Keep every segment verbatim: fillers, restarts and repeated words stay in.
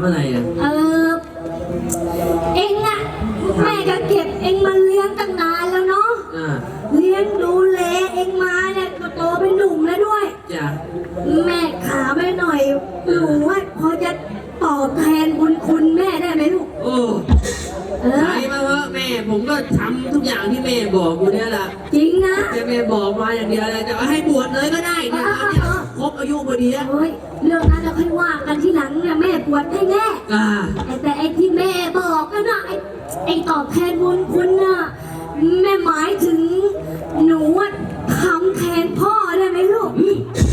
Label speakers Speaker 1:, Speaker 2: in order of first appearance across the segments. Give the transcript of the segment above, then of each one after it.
Speaker 1: อะไรอ่ะ
Speaker 2: เออเอ็งอะแม่ก็เก็บเอ็งมาเลี้ยงตั้งนานแล้วเนาะเลี้ยงดูแลเอ็งมาเนี่ยก็โตเป็นหนุ่มแล้วด้วย
Speaker 1: จ้ะ
Speaker 2: แม่ขาไม่หน่อยหนูว่าพอจะตอบแทนบุญคุณแม่ได้ไหมลูก
Speaker 1: โอ้ใช่มาเถอะแม่ผมก็ทำทุกอย่างที่แม่บอกอยู่เนี่ยแหละ
Speaker 2: จริงนะ
Speaker 1: แต่แม่บอกมาอย่างเดียวเลยจะให้บวชเลยก็ได้เนี่ยครบอายุพอดีแล้ว
Speaker 2: เฮ้ยเรื่องนั้นเราค่อยว่ากันทีหลังเนี่ยแม่บวชให้แน่แต่ไอ้ที่แม่บอกกันนะไอ้ไอ้ตอบแทนบุญคุณน่ะแม่หมายถึงหนูว่าทำแทนพ่อได้ไหมลูก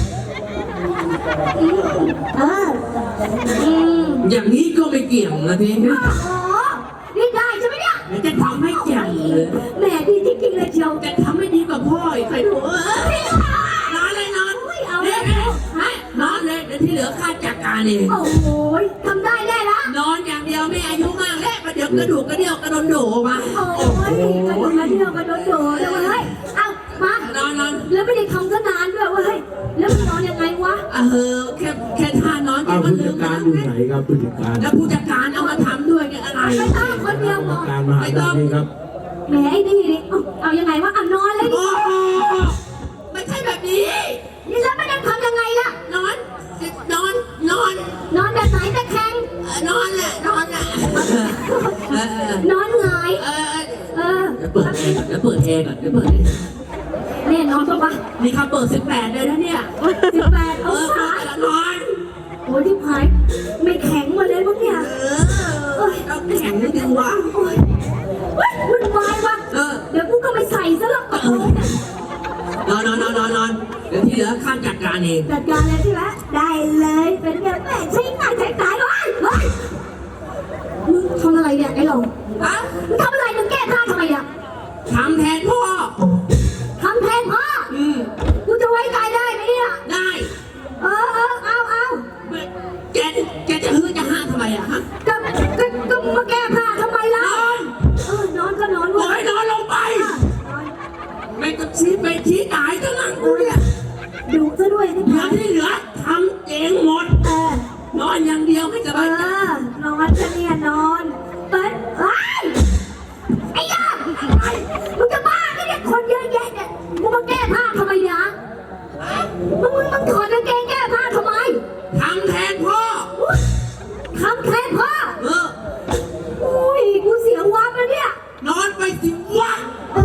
Speaker 2: เออ
Speaker 1: อย่างนี้ก็ไม่เกี่ยงนะพี่
Speaker 2: อ๋อนี่ได้ใช่ไหมเนี่ย
Speaker 1: จะทำให้เกี่ยงเลย
Speaker 2: แม่ดีจริงๆเลยเชียว
Speaker 1: จะทำให้ดีกว่าพ่ออีกใครดูเออนอนเลยนอน
Speaker 2: เอาเลย
Speaker 1: นอนเลยเดี๋ยวที่เหลือข้าจัดการเอง
Speaker 2: โอ้โหทำได้แน่ละ
Speaker 1: นอนอย่างเดียวไม่อายุมากแล้วมาเดี๋ยวกระดูกกระเดี่ยวกระโดนโดมา
Speaker 2: โอ้ยกระดูกกระเดี่ยวกระโดนโดเลยเฮ้ยเอามาน
Speaker 1: อนนอน
Speaker 2: แล้วไม่ได้ทำก็นานด้วยเว้ยแล้วมันนอนยังไงวะ
Speaker 1: เออแค่แค่ท่านอนแค่
Speaker 3: มันลืมผู้จัดการอยู่ไหนครับผู้จัดการ
Speaker 1: แล้วผู้จัดการเอามาทำด้วยกันอะไร
Speaker 2: ไม่ต้องคนเดียว
Speaker 3: พอการมาหาได้ครับ
Speaker 2: แหมไอ้นี่นี่เอายังไงวะเอานอนเลยดิ
Speaker 1: ไม่ใช่แบบนี้
Speaker 2: นี่แล้วไม่ได้ทำยังไงล่ะ
Speaker 1: นอนนอนนอน
Speaker 2: นอนแบบไหนตะแคง
Speaker 1: นอนแหละนอนแหละ
Speaker 2: นอนหงาย
Speaker 1: เออเออเปิดแอร์ก่อนเดี๋ยวเปิดแอร์ก่อนเดี๋ยวเปิด
Speaker 2: เนี่ยนอนปะวะ
Speaker 1: นี่เขาเปิดสิบแปดเลยนะเนี่ย
Speaker 2: สิบแปดองศาน
Speaker 1: อน
Speaker 2: โอ้ยที่พายไม่แข็งมาเลยมั้งเนี่ย
Speaker 1: เออต้องแข็งนิดนึงวะ
Speaker 2: โอ้ยมันวายวะเดี๋ยวกูก็ไม่ใส่ซะแล้ว
Speaker 1: นอนนอนนอนนอนนอนเดี๋ยวที่เหลือข้าจัดการเอง
Speaker 2: จัดการเลยใช่ไหมได้เลยเป็นไงแม่ใช้งานใช้การวะเฮ้ยมึงทำอะไรเนี่ยไอ้หลง
Speaker 1: ฮะ
Speaker 2: มึงทำอะไรมึงแก้ผ้าทำไมอ่ะ
Speaker 1: ทำแทนพ่อ
Speaker 2: ทำแทนพ่อ
Speaker 1: อืม
Speaker 2: กูจะไว้ใจได้ไหมเนี่ย
Speaker 1: ได้
Speaker 2: เออเออเอาเอา
Speaker 1: แกแกจะฮือจะห้าทำไมอะฮะ
Speaker 2: ก็ก็ก็มาแก้ผ้าทำไมล่ะนอนเออนอนก็นอน
Speaker 1: โอ้ยนอนลงไปไม่ต้องชี้ไปชี้ตายทั้งนั้นกูเนี่ย
Speaker 2: ดูซะด้วยที่
Speaker 1: เหลือที่เหลือทำเองหมด
Speaker 2: เออน
Speaker 1: อนอย่างเดียวไม่สบายใจ
Speaker 2: นอนจะเนี่ยนอนเปิดไอ้ไอ้ย่ามึงจะบ้าไงเนี่ยคนเยอะแยะเนี่ยมึงมาแก้ผ้าทำไมเนี่ยมึงมึงมึงถอดกางเกงแก้ผ้าทำไม
Speaker 1: ทำแทนพ่อ
Speaker 2: ทำแทนพ่อ
Speaker 1: เออ
Speaker 2: อุ้ยกูเสียวับแล้วเนี่ย
Speaker 1: นอนไปสิวะ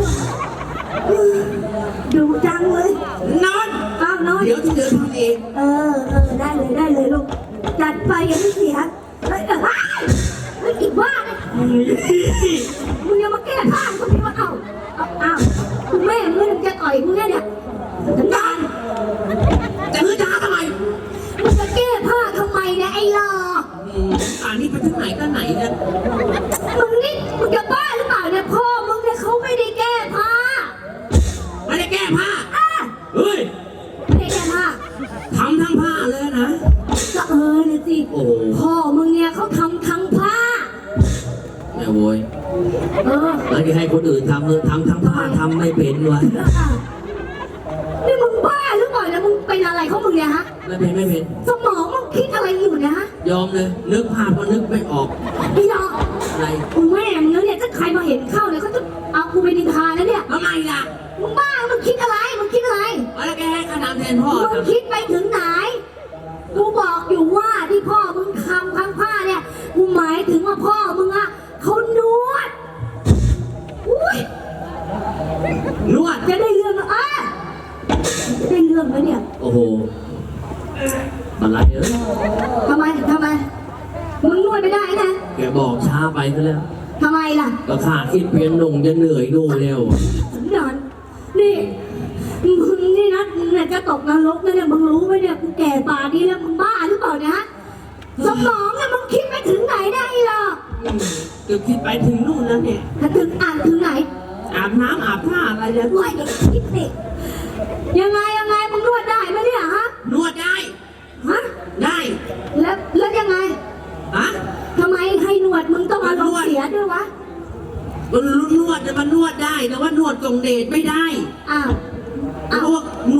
Speaker 2: ดูจังเลย
Speaker 1: นอน
Speaker 2: อ้าวนอน
Speaker 1: เดี๋ยวที่เหลือทำเอง
Speaker 2: เออเออได้เลยได้เลยลูกจัดไปอย่าไม่เสียเฮ้ยเฮ้ยไม่กินบ้าเลยมึงยังมาแก้ผ้าคนนี้มาเอาเอาเอาคุณแม่มึงจะต่อยมึงเนี่ยเนี่ยสัญญาณ
Speaker 1: จะฮือจะหาทำไม
Speaker 2: มึงจะแก้ผ้าทำไมเนี่ยไอ้หล่อ
Speaker 1: อ่านี่ไปถึงไหนก็ไหนเนี่ย
Speaker 2: มึงนี่มึงจะบ้าหรือเปล่าเนี่ยพ่อมึงเนี่ยเขาไม่ได้แก้ผ้า
Speaker 1: ไม่ได้แก้ผ้า
Speaker 2: เฮ้ยไม่ได้แก้ผ้า
Speaker 1: ทำทั้งผ้าเลยนะ
Speaker 2: ก็เออเนี่ยสิพ่อมึงเนี่ยเขาทำทั้งผ้า
Speaker 1: แม่โวย
Speaker 2: เออ
Speaker 1: แล้วที่ให้คนอื่นทำเออทำทั้งผ้าทำไม่เป็นวะ
Speaker 2: นี่มึงบ้าหรือเปล่าเนี่ยมึงเป็นอะไรเขามึงเนี่ยฮะ
Speaker 1: ไม่เป็นไม่เป็น
Speaker 2: สมองมึงคิดอะไรอยู่เนี่ยฮะ
Speaker 1: ยอมเลยนึกภาพก็นึกไม่ออก
Speaker 2: พี่ยอม
Speaker 1: อะไร
Speaker 2: กูแม่มึงเนี่ยถ้าใครมาเห็นเข้าเนี่ยเขาจะเอากูไปนินทาแล้วเนี่ย
Speaker 1: ทำไมล่ะ
Speaker 2: มึงบ้ามึงคิดอะไรมึงคิดอะไร
Speaker 1: แล้วแกให้ขนาดแทนพ่อ
Speaker 2: มึงคิดไปถึงไหนกูบอกอยู่ว่าที่พ่อมึงทำทั้งผ้าเนี่ยกูหมายถึงว่าพ่อมึงอะเขานวดอุ้ย
Speaker 1: นวด
Speaker 2: จะได้เรื่องอ่ะจะได้เรื่องไหมเนี่ย
Speaker 1: โอ้โหอะไรเออ
Speaker 2: ทำไมทำไมมึงนวดไม่ได้นะ
Speaker 1: แกบอกช้าไปซะแล้ว
Speaker 2: ทำไมล่ะ
Speaker 1: ก็ขาคิดเปลี่ยนหนุ่มจะเหนื่อยดูเร็ว
Speaker 2: นอนนี่มึงนี่นะเนี่ยจะตกนรกนะเนี่ยมึงรู้ไหมเนี่ยกูแก่ป่านี้แล้วมึงบ้าหรือเปล่าเนี่ยฮะสมองเนี่ยมึงคิดไปถึงไหนได้หรอ
Speaker 1: จะคิดไปถึงนู่นแล้วเนี่ย
Speaker 2: ถ้าถึงอ่านถึงไหน
Speaker 1: อาบน้ำอาบผ้าอะไรเนี่ย
Speaker 2: ด้วยคิดสิยังไงยังไงมึงนวดได้ไหมเนี่ยฮะ
Speaker 1: นวดได้
Speaker 2: ฮะ
Speaker 1: ได้
Speaker 2: แล้วแล้วยังไง
Speaker 1: ฮะ
Speaker 2: ทำไมให้นวดมึงต้องอารมณ์เสียด้วยวะ
Speaker 1: มันนวดจะมันนวดได้แต่ว่านวดกงเดชไม่ได้
Speaker 2: อ้าว
Speaker 1: เพราะว่าน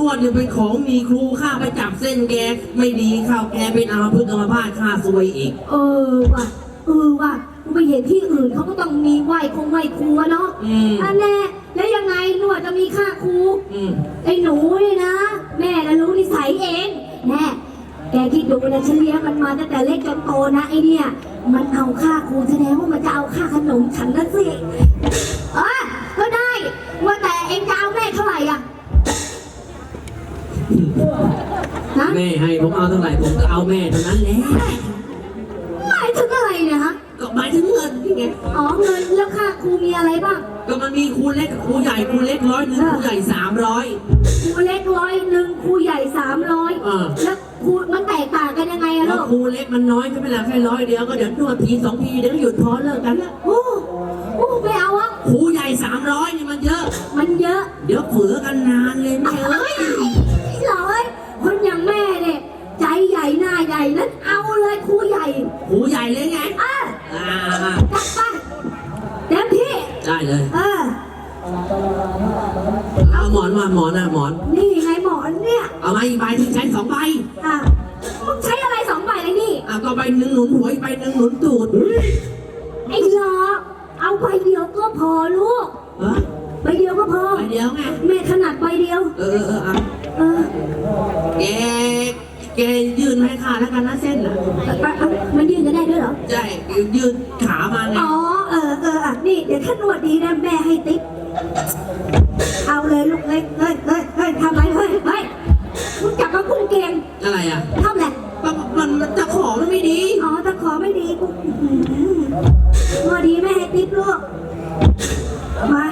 Speaker 1: วดเนี่ยเป็นของมีครูข้าไปจับเส้นแกไม่ดีเข้าแกเป็นอาพึกษ์อัมพาตข้าซวยอีก
Speaker 2: เออว่ะเออว่ะกูไปเห็นที่อื่นเขาก็ต้องมีไหวคงไหวครูอะเนาะ
Speaker 1: อืม
Speaker 2: อันแน่แล้วยังไงนวดจะมีค่าครู
Speaker 1: อืม
Speaker 2: ไอ้หนูนี่นะ แม่ก็รู้นิสัยเองแน่แกคิดดูนะฉันเลี้ยงมันมาตั้งแต่เล็กจนโตนะไอเนี่ยมันเอาค่าครูแสดงว่ามันจะเอาค่าขนมฉันนะสิเออก็ได้ว่าแต่เองจะเอาแม่เท่าไหร่อ่ะนะ
Speaker 1: แม่ให้ผมเอาเท่าไหร่ผมก็เอาแม่เท่านั้นแหละ
Speaker 2: หมายถึงอะไรเนี่ยฮะ
Speaker 1: ก็หมายถึงเงินนี่ไง
Speaker 2: อ๋อเงินแล้วค่าครูมีอะไรบ้าง
Speaker 1: ก็มันมีครูเล็กกับครูใหญ่ครูเล็กร้อยหนึ่งครูใหญ่สามร้อย
Speaker 2: ครูเล็กร้อยหนึ่งครูใหญ่สามร้อย
Speaker 1: เออ
Speaker 2: แล้วครูมันแตกต่างกันยังไงอะ
Speaker 1: แล้
Speaker 2: ลู
Speaker 1: ว
Speaker 2: ก
Speaker 1: ครูเล็กมันน้อยใช่ไหมล่ะแค่ร้อยเดียวก็เดี๋ยวนวดทีสองทีเดี๋ยวก็หยุดพอเลิกกันละ
Speaker 2: โอ้โอ้ไม่เอาอะ
Speaker 1: ครูใหญ่สามร้อยนี่มันเยอะ
Speaker 2: มันเยอะ
Speaker 1: เดี๋ยวเฝือกันนานเลยแม่เอ้ย
Speaker 2: เหรอเอ้ยคนอย่างแม่เนี่ยใจใหญ่หน้าใหญ่นั้นเอาเลยครูใหญ่
Speaker 1: ครูใหญ่เลยไง
Speaker 2: เออ
Speaker 1: อ่าอ่า
Speaker 2: จัดไปเต็มที่
Speaker 1: ได้เลย
Speaker 2: เออ
Speaker 1: เอาหมอนมาหมอนนะหมอน
Speaker 2: นี่ไงหมอนเนี่ย
Speaker 1: เอามาอีกใบที่ใช้สองใบ
Speaker 2: อ่ะมึงใช้อะไรสองใบเลยนี่
Speaker 1: อ่ะก็ใบหนึ่งหนุนหัวอีกใบหนึ่งหนุนตูด
Speaker 2: ไอ้หลอเอาใบเดียวก็พอลูก
Speaker 1: เออ
Speaker 2: ใบเดียวก็พอ
Speaker 1: ใบเดียวไง
Speaker 2: แม่ถนัดใบเดียว
Speaker 1: เออเออเอออ่ะ
Speaker 2: เออ
Speaker 1: แกแกยืนให้ข้าแล้วกันนะเส้นน่ะ
Speaker 2: ไปเอามันยืนกันได้ด้วยเหรอ
Speaker 1: ใช่ยืนขามาไง
Speaker 2: อ๋อ เออเอออ่ะนี่เดี๋ยวถ้านวดดีนะแม่ให้ติ๊บเอาเลยลูกเฮ้ยเฮ้ยเฮ้ยเฮ้ยทำไรเฮ้ยเฮ้ยมึงจับมากุ้งเกง
Speaker 1: อะไรอ่ะ
Speaker 2: ทำแหละ
Speaker 1: มันมันมันจะขอมันไม่ดี
Speaker 2: อ๋อถ้าขอไม่ดีกูอื้อหือนวดดีแม่ให้ติ๊บลูกมา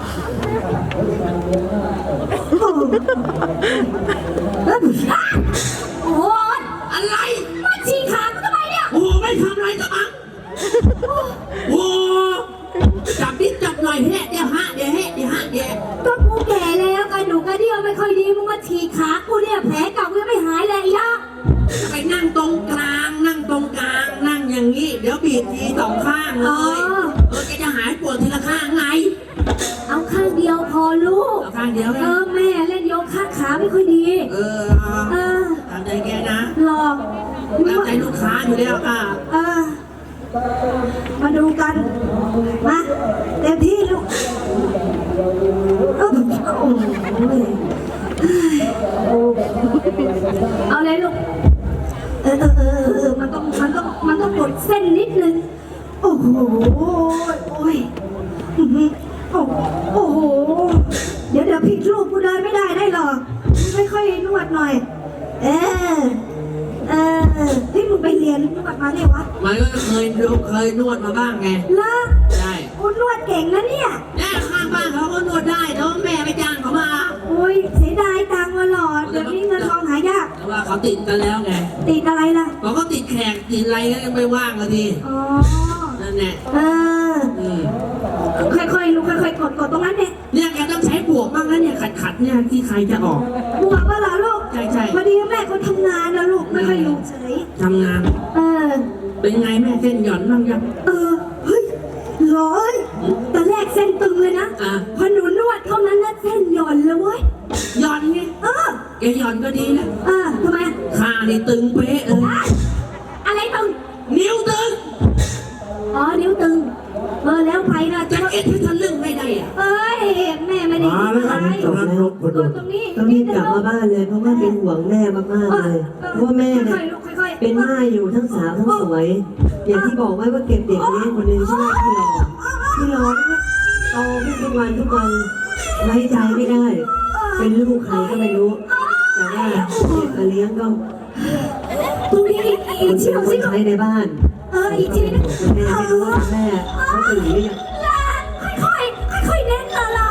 Speaker 2: โอ้โหเอ้ยโอ้ย
Speaker 1: อะไร
Speaker 2: มาฉีกขากูทำไมเนี่ย
Speaker 1: โอ้ไม่ทำอะไรจะมั้งโอ้จับนิดจับหน่อยแฮะเดี๋ยวฮะเดี๋ยวแฮะเดี๋ยวฮะเดี๋ยว
Speaker 2: ก็กูแก่แล้วกระดูกกระเดี่ยวไม่ค่อยดีมึงมาฉีกขากูเนี่ยแผลเก่ากูยังไม่หายเลยย่า
Speaker 1: ไปนั่งตรงกลาง นั่งตรงกลาง นั่งอย่างนี้ เดี๋ยวบีบทีสองข้างเลย เออแกจะหายปวดทีละข้างไง
Speaker 2: เอาข้างเดียวพอลูก
Speaker 1: เอาข้างเดียวไง
Speaker 2: เออแม่เล่นโยคะขาไม่ค่อยดี
Speaker 1: เออ
Speaker 2: เออ
Speaker 1: ตามใจแกนะ
Speaker 2: หลอก
Speaker 1: ตามใจลูกค้าอยู่แล้วอ่ะ
Speaker 2: เออ มาดูกัน มาเต็มที่ลูกเออโอ้ยเอาเลยลูก เออเออเออเออมันต้องมันต้องมันต้องกดเส้นนิดนึง โอ้โห โอ้ยอื้อหือโอ้โอ้โห เดี๋ยวเดี๋ยวผิดรูปกูเดินไม่ได้ได้หรอกไม่ค่อยนวดหน่อย เออ เออที่มึงไปเรียนนวดมาเนี่ยวะ
Speaker 1: มันก็เคยเคยนวดมาบ้างไง
Speaker 2: เลิก
Speaker 1: ใช่
Speaker 2: กูนวดเก่งนะเนี่ย
Speaker 1: แม่ข้างบ้านเขาก็นวดได้แต่ว่าแม่ไปจ้างเขามา
Speaker 2: โอ้ยเสียดายตังค์มาหลอดเดี๋ยวนี้เงินทองหายาก
Speaker 1: แต่ว่าเขาติดกันแล้วไง
Speaker 2: ติดอะไรล่ะ
Speaker 1: เขาก็ติดแขกติดอะไรก็ยังไม่ว่างเลยที
Speaker 2: อ๋อ
Speaker 1: นั่นแหละ
Speaker 2: เออ
Speaker 1: อืม
Speaker 2: ค่อยๆลูกค่อยๆกดกดตรงนั้นเนี่ย
Speaker 1: เนี่ยแกต้องใช้บวกบ้างนะเนี่ยขัดขัดๆเนี่ยที่ใครจะออก
Speaker 2: บวกว่าเหรอลูก
Speaker 1: ใช่ใช่
Speaker 2: พอดีแม่เขาทำงานนะลูกไม่ค่อยอยู่เฉย
Speaker 1: ทำงาน
Speaker 2: เออ
Speaker 1: เป็นไงแม่เส้นหย่อนบ้างยัง
Speaker 2: เออ เฮ้ยร้อยแต่แรกเส้นตึงเลยนะ
Speaker 1: อ่ะ
Speaker 2: พอหนูนวดเท่านั้นนะเส้นหย่อนเลยเว้ย
Speaker 1: หย่อนไง
Speaker 2: เออ
Speaker 1: แกหย่อนก็ดีแล้ว
Speaker 2: เออทำไม
Speaker 1: ขานี่ตึงเป๊ะเลย
Speaker 2: อ่ะอะไรตึง
Speaker 1: นิ้วตึง
Speaker 2: อ๋อนิ้วตึง เออแล้วไปนะ
Speaker 1: จะ
Speaker 2: จะ
Speaker 1: เอ็ดให้ทะลึ่งไม่ได้อะ
Speaker 2: เอ้ยแม่ไม่ได้
Speaker 3: มา
Speaker 2: ยิน
Speaker 3: แล้ว
Speaker 2: อะไร
Speaker 3: กำลังรบพ
Speaker 2: ก
Speaker 3: ดุ
Speaker 2: ด
Speaker 3: ง
Speaker 2: ตรงนี้
Speaker 4: ต้องรีบกลับมาบ้านเลยเพราะว่าเป็นห่วงแม่มากๆเลยเพราะว่าแม่เนี่ย
Speaker 2: ค่อยๆลูกค่อยๆ
Speaker 4: เป็นม่ายอยู่ทั้งสาวทั้งสวย อย่างที่บอกไว้ว่าเก็บเด็กเลี้ยงคนหนึงชื่อว่าพี่รอพี่รอเนี่ยโตขึ้นทุกวันทุกวันไว้ใจไม่ได้ เป็นลูกใครก็ไม่รู้ แต่ว่าเด็กมาเลี้ยงก็
Speaker 2: ตรงนี้อีก
Speaker 4: ค
Speaker 2: อีก
Speaker 4: น
Speaker 2: ที
Speaker 4: เป็น
Speaker 2: นึง
Speaker 4: ค
Speaker 2: สิ
Speaker 4: นใช้ในบ้าน
Speaker 2: เอออีกทีนึง
Speaker 4: แม่ไม่รู้ว่าแม่เขาตื่นหรือยัง
Speaker 2: ค่อยๆค่อยๆเน้นละละ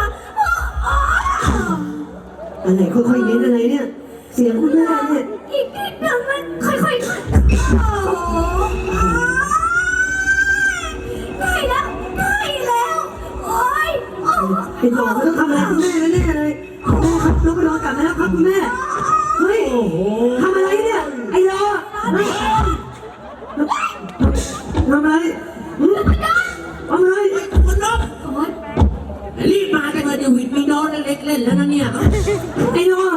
Speaker 4: อะไรค่อยๆเน้นอะไรเนี่ย เสียงคุณแม่เนี่ย
Speaker 2: อีกนิดนึงมันค่อยๆโอ้โหได้แล้วได้แล้วโอ้ยโอ้
Speaker 4: ไอ้หลอกต้องทำอะไรคุณแม่แน่ๆเลยแม่ครับลูกไปนอนกลับมาแล้วครับคุณแม่เฮ้ย
Speaker 3: โอ้โห
Speaker 4: ทำอะไรเนี่ยไอ้รอเฮ้ยทำอะไรหืมทำอะไร
Speaker 1: คุณนก
Speaker 2: โอ้ย
Speaker 1: รีบมาจังเลยเดี๋ยววิดมีโดนเล็กๆเล่นแล้วนะเนี่ย
Speaker 4: ไอ้รอ